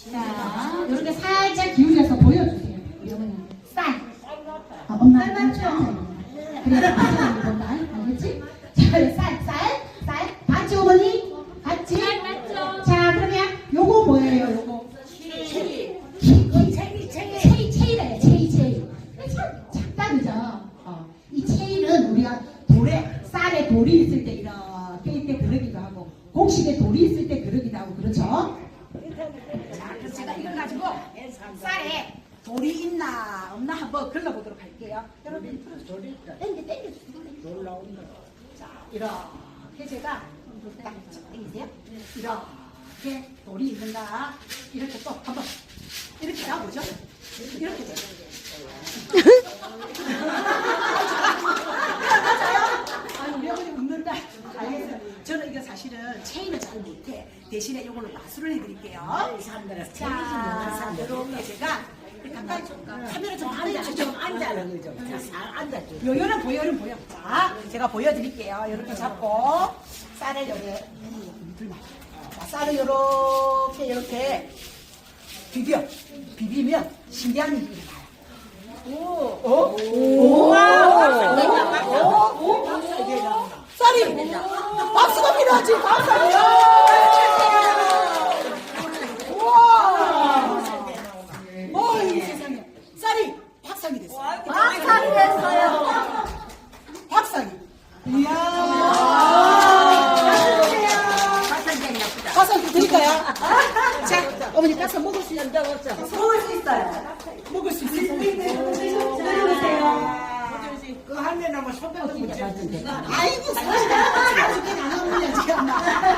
자, 이렇게 살짝 기울여서 보여주세요. 우리 어머니. 쌀. 엄마. 쌀 맞죠? 그래, 본다. 알겠지? 자, 쌀. 봤지, 어머니? 봤지? 쌀 맞죠? 자, 그러면 요거 뭐예요, 요거? 체이래요, 체이. 참 작다, 그죠? 이 체이는 우리가 쌀에 돌이 있을 때 이렇게 이때 그러기도 하고, 곡식에 돌이 있을 때 그러기도 하고, 그렇죠? 자, 그래서 제가 이걸 가지고 쌀에 돌이 있나 없나 한번 걸러보도록 할게요. 여러분, 땡겨주세요. 자, 이렇게 제가 딱 땡기세요. 이렇게 돌이 있는가, 이렇게 또 한번 이렇게 가보죠. 이렇게 돼요. 맞아요? 아니, 우리 어머니 웃는다. 알겠어요. 저는 이거 사실은 체인을 잘 못해. 대신에 이걸로 마술을 해드릴게요. 자, 이렇게 제가 가까이 카메라 좀 앉아요. 요요는 보여. 자, 제가 보여드릴게요. 이렇게 잡고 쌀을 여기 자, 쌀을 이렇게 비비면 신기한 일이 나요. 쌀이 박수가 필요하지. 우와. 이 세상에 쌀이 박상이 됐어요. 박상이. 이야. 가서 드릴까요? 자, 어머니 가서 먹을 수 있어요. 먹을 수 있어요. 그 한 면 하면 손배도 못 잡는데. 아이고, 사실 나눠보냐, 지금.